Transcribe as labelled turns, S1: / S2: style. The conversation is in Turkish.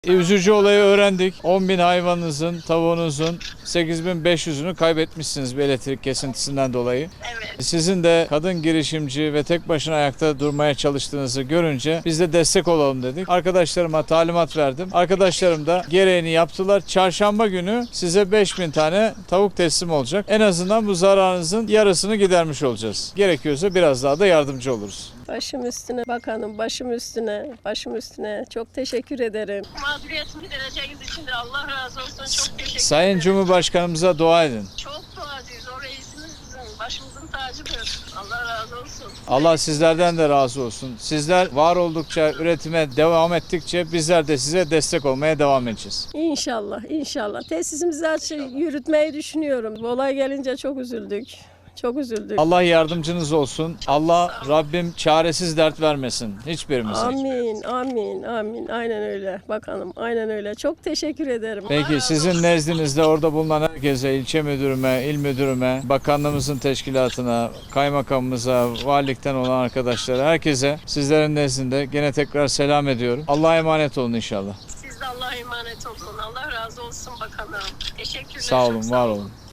S1: Üzücü olayı öğrendik. 10.000 hayvanınızın, tavuğunuzun 8.500'ünü kaybetmişsiniz bir elektrik kesintisinden dolayı.
S2: Evet.
S1: Sizin de kadın girişimci ve tek başına ayakta durmaya çalıştığınızı görünce biz de destek olalım dedik. Arkadaşlarıma talimat verdim. Arkadaşlarım da gereğini yaptılar. Çarşamba günü size 5.000 tane tavuk teslim olacak. En azından bu zararınızın yarısını gidermiş olacağız. Gerekiyorsa biraz daha da yardımcı oluruz.
S3: Başım üstüne bakanım, başım üstüne, başım üstüne. Çok teşekkür ederim.
S2: Mağduriyetimi gidereceğiniz için de Allah razı olsun. Çok teşekkür
S1: Sayın
S2: ederim.
S1: Cumhurbaşkanımıza dua edin.
S2: Çok duacıyız. O reisimiz bizim. Başımızın tacıdır. Allah razı olsun.
S1: Allah sizlerden de razı olsun. Sizler var oldukça, üretime devam ettikçe bizler de size destek olmaya devam edeceğiz.
S3: İnşallah, inşallah. Tesisimizi yürütmeyi düşünüyorum. Bu olay gelince çok üzüldük. Çok üzüldük.
S1: Allah yardımcınız olsun. Allah Rabbim çaresiz dert vermesin hiçbirimize.
S3: Amin, amin, amin. Aynen öyle bakanım, aynen öyle. Çok teşekkür ederim.
S1: Peki sizin nezdinizde orada bulunan herkese, ilçe müdürüme, il müdürüme, bakanlığımızın teşkilatına, kaymakamımıza, valilikten olan arkadaşlara, herkese sizlerin nezdinde gene tekrar selam ediyorum. Allah'a emanet olun inşallah.
S2: Siz de Allah'a emanet olun. Allah razı olsun bakanım. Teşekkürler.
S1: Sağ
S2: çok
S1: olun, var olun.